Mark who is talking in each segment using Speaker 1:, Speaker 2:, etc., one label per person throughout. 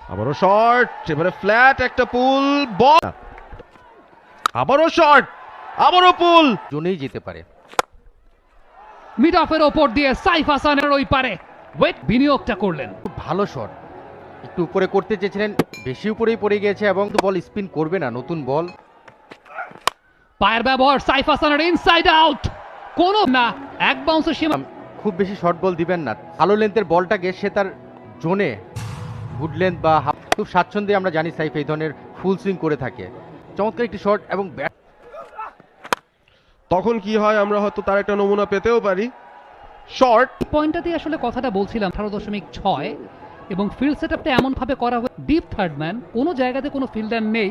Speaker 1: আবারও শর্ট, এবারে ফ্ল্যাট একটা পুল বল, আবারও শর্ট, আবারও পুল,
Speaker 2: জোনেই যেতে পারে।
Speaker 3: মিড অফের ওপর দিয়ে সাইফ হাসানের ওই পারে ওয়েট বিনিয়োগটা করলেন।
Speaker 2: খুব ভালো শট, একটু উপরে করতে চেয়েছিলেন, বেশি উপরেই পড়ে গিয়েছে এবং বল স্পিন করবে না, নতুন বল।
Speaker 3: পায়ের ব্যবহার সাইফ হাসানের ইনসাইড আউট, কোনো না, এক বাউন্সের সীমা।
Speaker 2: খুব বেশি শর্ট বল দিবেন না, ভালো লেন্থের বলটাকে সে তার জোনে গুড লেন্থ বা হাফ খুব স্বাচ্ছন্দ্যে আমরা জানি সাইফ এই ধরনের ফুল সুইং করে থাকে। চমৎকার একটি শট এবং ব্যাট।
Speaker 1: তখন কি হয় আমরা হয়তো তার একটা নমুনা পেতেও পারি। শর্ট,
Speaker 3: পয়েন্টটাতে আসলে কথাটা বলছিলাম 18.6 এবং ফিল্ড সেটআপটা এমন ভাবে করা হয় ডিপ থার্ড ম্যান, কোনো জায়গাতে কোনো ফিল্ডার নেই।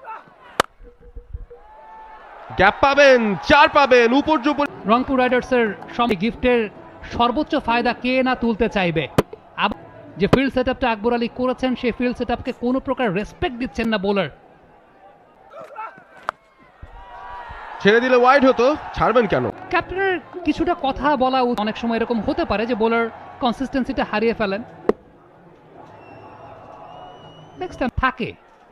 Speaker 1: গ্যাপ পাবেন, চার পাবেন, উপর জুপর।
Speaker 3: রংপুর রাইডার্সের গিফটের সর্বোচ্চ ফায়দা কে না তুলতে চাইবে। যে ফিল্ড সেটআপটা আকবর আলী করেছেন সেই ফিল্ড সেটআপকে কোনো প্রকার রেসপেক্ট দিচ্ছেন না বোলার।
Speaker 1: ছেড়ে দিলে ওয়াইড হতো, ছাড়বেন কেন?
Speaker 3: ক্যাপ্টেনের কিছুটা কথা বলা অনেক সময় এরকম হতে পারে যে বোলার কনসিস্টেন্সিটা হারিয়ে ফেলেন, নেক্সট টাইম থাকে।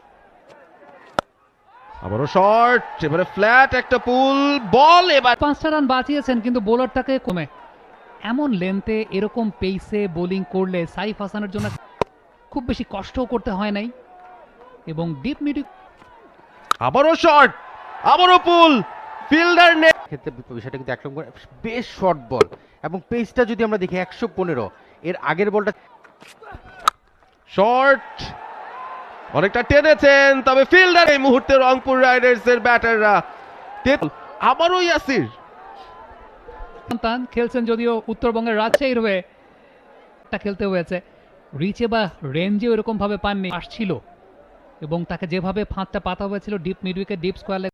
Speaker 1: আবারও শর্ট, এবারে ফ্ল্যাট একটা পুল বল, এবার
Speaker 3: 5টা রান বাঁচিয়েছেন কিন্তু বোলারটাকে কমে এমন লেন্থে এরকম পেসে বোলিং করলে সাইফ হাসানের জন্য খুব বেশি কষ্টও করতে হয় নাই এবং ডিপ মিড।
Speaker 1: আবারও শর্ট, আবারও পুল, ফিল্ডার নেই।
Speaker 2: ক্ষেত্রে বিষয়টা কিন্তু একরকম করে বেশ শর্ট বল এবং পেসটা যদি আমরা দেখি 115, এর আগের বলটা
Speaker 1: শর্ট, অনেকটা টেনেছেন, তবে ফিল্ডার এই মুহূর্তে রংপুর রাইডার্স এর ব্যাটাররা। আবারও ইয়াসির
Speaker 3: সন্তান খেলছেন, যদিও উত্তরবঙ্গের রাজশাহীর হয়ে খেলতে হয়েছে, রিচে বা রেঞ্জে ওরকম ভাবে পাননি, আসছিল এবং তাকে যেভাবে ফাঁদটা পাতা হয়েছিল ডিপ মিডউইকে ডিপ স্কোয়ার